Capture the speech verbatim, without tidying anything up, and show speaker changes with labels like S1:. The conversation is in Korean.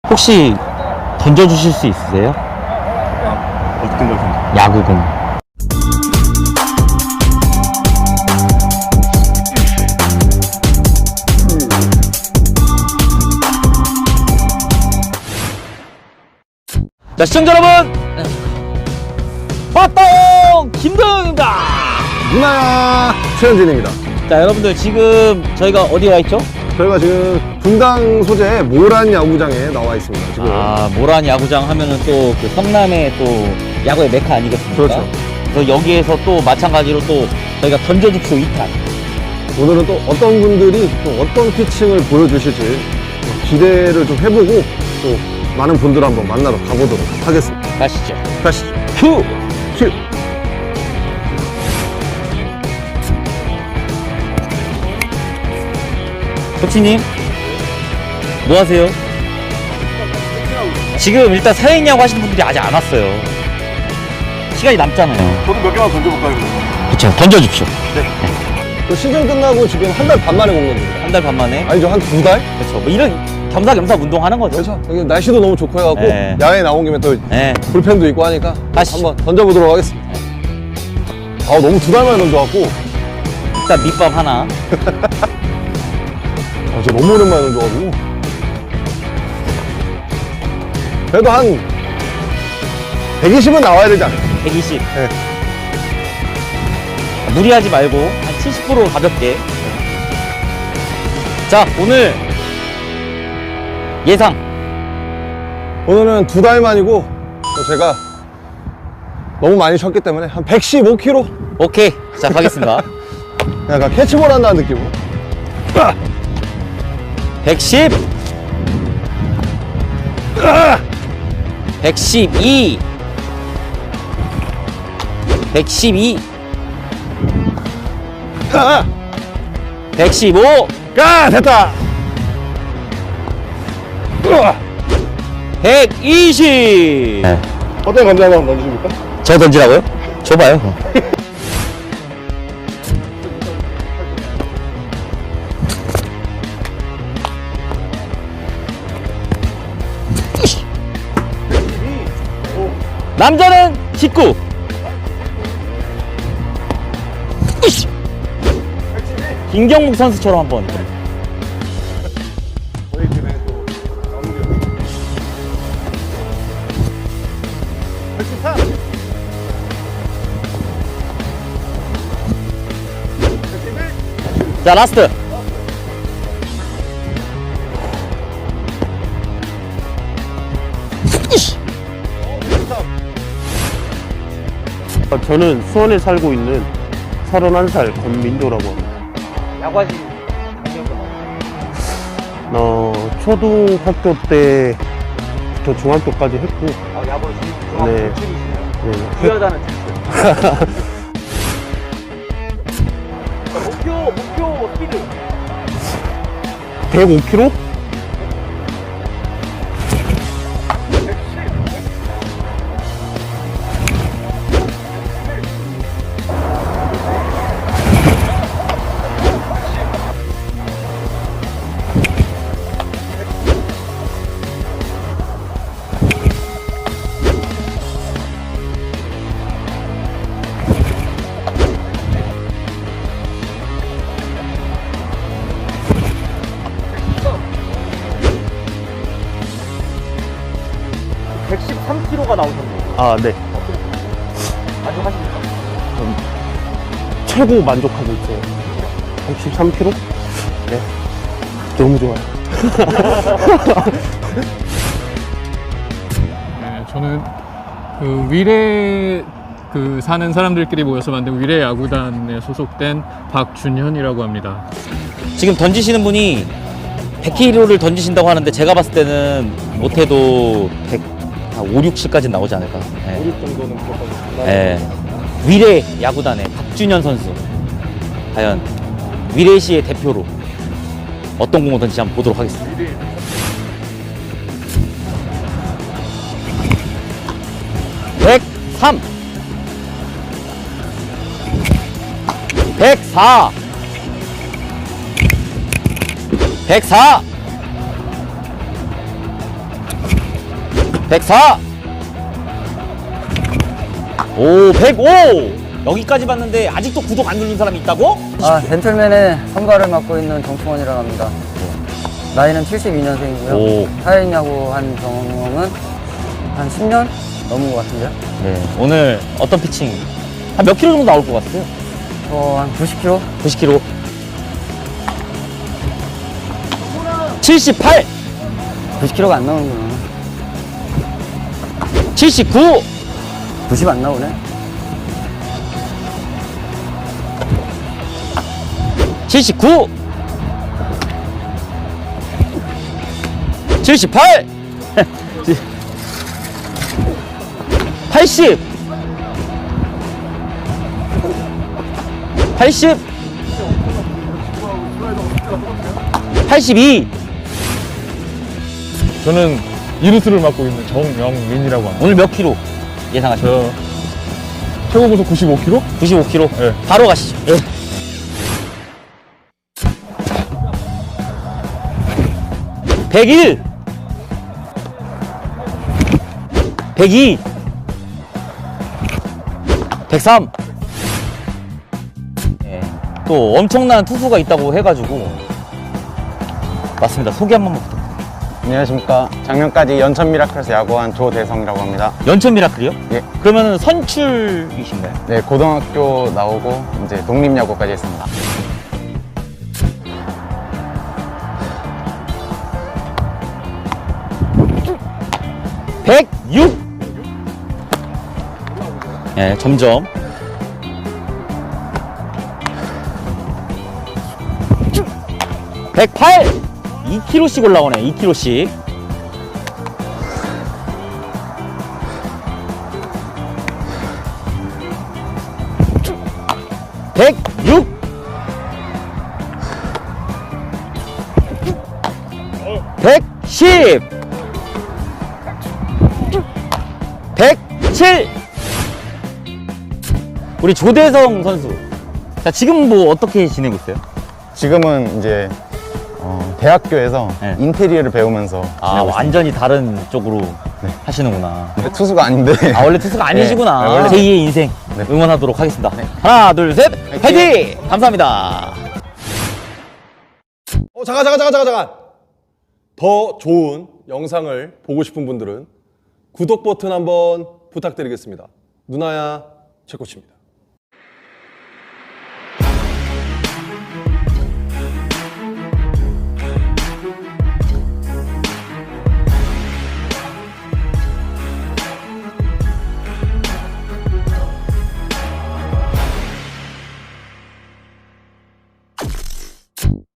S1: 혹시 던져주실 수 있으세요?
S2: 어떤 걸 던져?
S1: 야구공. 자, 시청자 여러분! 빠똥! 김도영입니다!
S2: 누나야 최현진입니다.
S1: 자, 여러분들 지금 저희가 어디 와 있죠?
S2: 저희가 지금 분당 소재 모란 야구장에 나와 있습니다. 지금.
S1: 아, 모란 야구장 하면은 또 그 성남의 또 야구의 메카 아니겠습니까?
S2: 그렇죠.
S1: 그래서 여기에서 또 마찬가지로 또 저희가 던져줍쇼 이 탄.
S2: 오늘은 또 어떤 분들이 또 어떤 피칭을 보여주실지 기대를 좀 해보고 또 많은 분들 한번 만나러 가보도록 하겠습니다.
S1: 가시죠.
S2: 가시죠. 큐! 큐!
S1: 코치님, 뭐 하세요? 지금 일단 사행야구 하시는 분들이 아직 안 왔어요. 시간이 남잖아요.
S2: 저도 몇 개만 던져볼까요?
S1: 그쵸, 던져줍쇼.
S2: 또 시즌 끝나고 지금 한 달 반 만에 온 겁니다.
S1: 한 달 반 만에.
S2: 아니죠, 한 두 달?
S1: 그쵸, 뭐 이런 겸사겸사 운동하는 거죠.
S2: 그렇죠. 여기 날씨도 너무 좋고 해갖고
S1: 네.
S2: 야외에 나온 김에 또
S1: 네.
S2: 불펜도 있고 하니까
S1: 가시죠.
S2: 한번 던져보도록 하겠습니다. 아, 너무 두 달 만에 던져갖고
S1: 일단 밑밥 하나.
S2: 아, 진짜 너무 오랜만에 던져가지고 그래도 한 백이십은 나와야 되지 않을까?
S1: 백이십.
S2: 네.
S1: 무리하지 말고 한 칠십 퍼센트 가볍게. 자, 오늘 예상.
S2: 오늘은 두 달 만이고 또 제가 너무 많이 쉬었기 때문에 한 백십오 킬로그램
S1: 오케이. 자, 가겠습니다.
S2: 약간 캐치볼 한다는 느낌으로
S1: 백십. 백십이. 백십이.
S2: 아!
S1: 백십오.
S2: 아, 됐다.
S1: 백이십. 네.
S2: 어떤 감자 한번 던지십니까?
S1: 저 던지라고요? 줘봐요. 남자는 십구. 김경목 선수처럼 한번.
S2: 저희 팀에 또 나오는 백십삼.
S1: 자, 라스트.
S3: 저는 수원에 살고 있는 서른한 살 권민조라고 합니다.
S1: 야구하시
S3: 어, 초등학교 때부터 중학교까지 했고,
S1: 아, 야구
S3: 네. 네.
S1: 부여자는 목표 목표 스피드
S3: 백오 킬로그램?
S1: 백십삼 킬로그램가 나오셨네요.
S3: 아, 네.
S1: 아주 하십니까?
S3: 최고 만족하고 있어요. 백십삼 킬로그램? 네. 너무 좋아요.
S4: 네, 저는 그 위례 그 사는 사람들끼리 모여서 만든 위례 야구단에 소속된 박준현이라고 합니다.
S1: 지금 던지시는 분이 백 킬로그램를 던지신다고 하는데 제가 봤을 때는 못해도 백, 한 오, 육십까지 나오지 않을까. 네.
S2: 오륙 정도는 무조건
S1: 네. 위례 야구단의 박준현 선수. 과연 위례시의 대표로 어떤 공을 던지지 한번 보도록 하겠습니다. 백삼. 백사. 백사. 백사. 오, 백오. 여기까지 봤는데 아직도 구독 안 누른 사람이 있다고?
S5: 아, 젠틀맨의 선발을 맡고 있는 정충원이라고 합니다. 나이는 칠십이 년생이고요.
S1: 오.
S5: 사회인야구 한 경험은 한 십 년 넘은 것 같은데요.
S1: 네. 오늘 어떤 피칭? 한 몇 킬로 정도 나올 것 같아요?
S5: 어, 한 구십 킬로그램?
S1: 구십 킬로. 칠십팔.
S5: 구십 킬로그램가 안 나오는구나.
S1: 칠십구.
S5: 구십 안 나오네.
S1: 칠십구. 칠십팔. 팔십. 팔십. 팔십이.
S4: 저는 이루스를 맡고 있는 정영민이라고 합니다.
S1: 오늘 몇 킬로 예상하십니까?
S4: 저 최고 구속 구십오 킬로그램?
S1: 구십오 킬로.
S4: 네.
S1: 바로 가시죠.
S4: 네.
S1: 백일. 백이. 백삼. 예, 또 엄청난 투수가 있다고 해가지고 맞습니다. 소개 한 번만 부탁드립니다.
S3: 안녕하십니까. 작년까지 연천 미라클에서 야구한 조대성이라고 합니다.
S1: 연천 미라클이요?
S3: 예.
S1: 그러면 선출이신가요?
S3: 네, 고등학교 나오고 이제 독립야구까지 했습니다.
S1: 백육. 예, 점점. 백팔. 이 킬로그램씩 올라오네. 이 킬로그램씩. 백육. 백십. 백칠. 우리 조대성 선수. 자, 지금 뭐 어떻게 지내고 있어요?
S3: 지금은 이제 어, 대학교에서
S1: 네.
S3: 인테리어를 배우면서
S1: 아,
S3: 지내고 있습니다.
S1: 완전히 다른 쪽으로 하시는구나.
S3: 근데 투수가 아닌데
S1: 아, 원래 투수가 아니시구나.
S3: 네, 원래-
S1: 제이의 인생
S3: 네.
S1: 응원하도록 하겠습니다. 하나, 둘, 셋, 화이팅! 감사합니다.
S2: 어, 잠깐, 잠깐, 잠깐, 잠깐, 잠깐. 더 좋은 영상을 보고 싶은 분들은 구독 버튼 한번 부탁드리겠습니다. 누나야 최코치입니다.